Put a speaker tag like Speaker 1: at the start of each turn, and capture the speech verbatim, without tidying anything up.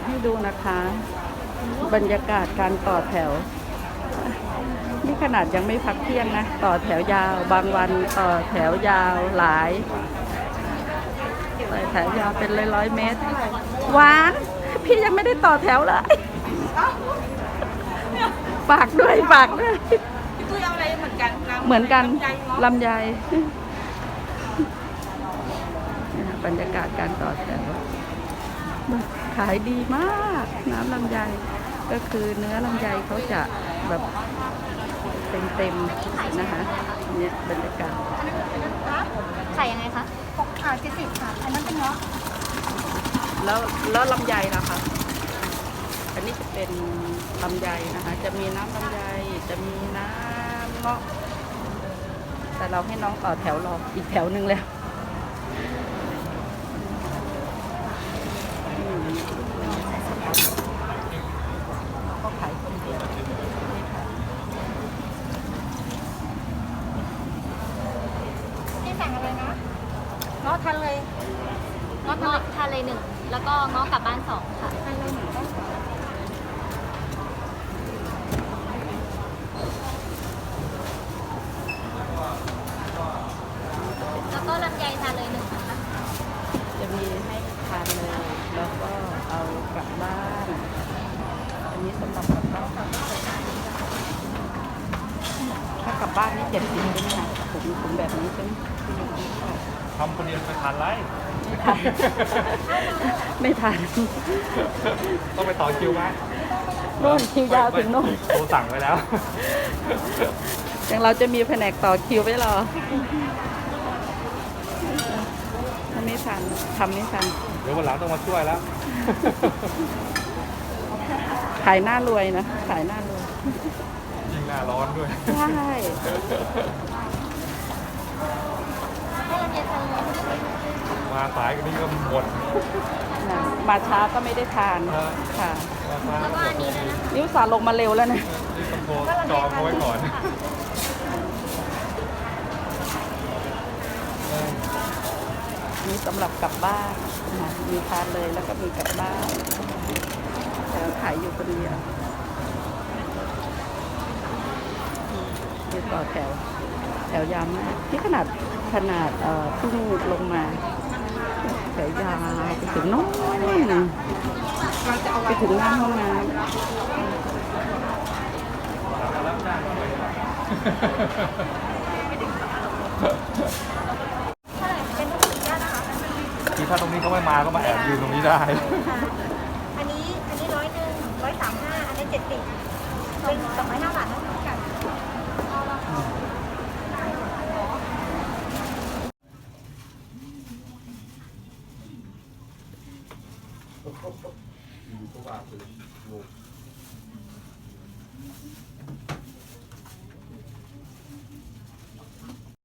Speaker 1: ให้ดูนะคะ บรรยากาศการต่อแถว นี่ขนาดยังไม่พักเที่ยงนะ ต่อแถวยาว บางวันต่อแถวยาวหลายต่อแถวยาวเป็นร้อยร้อยเมตรหวานพี่ยังไม่ได้ต่อแถวเลยฝากด้วยฝากด้วย
Speaker 2: พี่ตุ้ยเอาอะไรเหมือนกัน
Speaker 1: เหมือนกัน
Speaker 2: ลำไยเนาะ
Speaker 1: ลำไยบรรยากาศการต่อแถวขายดีมากน้ำลำไยก็คือเนื้อลำไยเขาจะแบบเต็มๆนะคะเนี่ยบรรยากาศ
Speaker 3: ขายยังไงคะหกค่ะเจ็ดสิบค่ะ อันนั้นเป็นเนาะ
Speaker 1: แล้วแล้วลำไยล่ะคะอันนี้จะเป็นลำไยนะคะ จะมีน้ำลำไยจะมีน้ำเงาะแต่เราให้น้องต่อแถวรออีกแถวหนึ่งแล้วอืมก็ขายคนเดียวนี่ค่ะ
Speaker 3: พี่สั่งอะไรนะ
Speaker 2: เนาะทันเลย
Speaker 3: เงาะทะเลหนึ่ง แล้วก็เงาะกลับบ้านสองค่ะ
Speaker 2: ทันเลยหนึ่งต้อง
Speaker 3: แล้วก็ลำไยทานเลยหนึ่งนะคะ
Speaker 1: จะมีให้ทานเลย แล้วก็เอากลับบ้าน อันนี้สำหรับกลับบ้านถ้ากลับบ้านนี่เจ็ดสิบใช่ไหมคะถุงถุงแบบนี้ใช่ไหม
Speaker 4: ทำคนเดียวไปทานไร
Speaker 1: ไม่ทัน
Speaker 4: ต้องไปต่อคิวไหม
Speaker 1: โน่นคิวยาวถึงโน่น
Speaker 4: โทรสั่งไว้แล้ว
Speaker 1: อย่างเราจะมีแผนกต่อคิวไว้รอถ้าไม่ทันทำไม่ทัน
Speaker 4: เดี๋ยววันหลังต้องมาช่วยแล้ว
Speaker 1: ขายหน้ารวยนะ ขายหน้ารวย
Speaker 4: ยิ่งหน้าร้อนด้วย
Speaker 1: ใช่
Speaker 3: ให้ลำไยทานเลย
Speaker 4: มาสายกันนี่ก็หมด
Speaker 1: นะมาช้าก็ไม่ได้ทาน
Speaker 4: เออ
Speaker 1: ค่ะ
Speaker 4: มาช้า
Speaker 3: แล้วก็อันนี้ด้วยนะคะ
Speaker 1: นิ้วสาลงมาเร็วแล้วนะ
Speaker 4: นี่ต้องโทรจองเขาไว้ก่อน
Speaker 1: มีสำหรับกลับบ้านนะมีทานเลยแล้วก็มีกลับบ้านแต่ขายอยู่คนเดียวมีต่อแถว แถวยาวมากที่ขนาดขนาดเอ่อเพิ่งลงมาแถวยาวไปถึงโน้นไปถึงหน้าห้องน้ำ
Speaker 4: คือถ้าตรงนี้เขาไม่มาก็มาแอบยืนตรงนี้ได้
Speaker 3: อันนี้ อันนี้ร้อยหนึ่งร้อยสามห้า อันนี้เจ็ดสิบเป็นสองร้อยห้าบาทนะ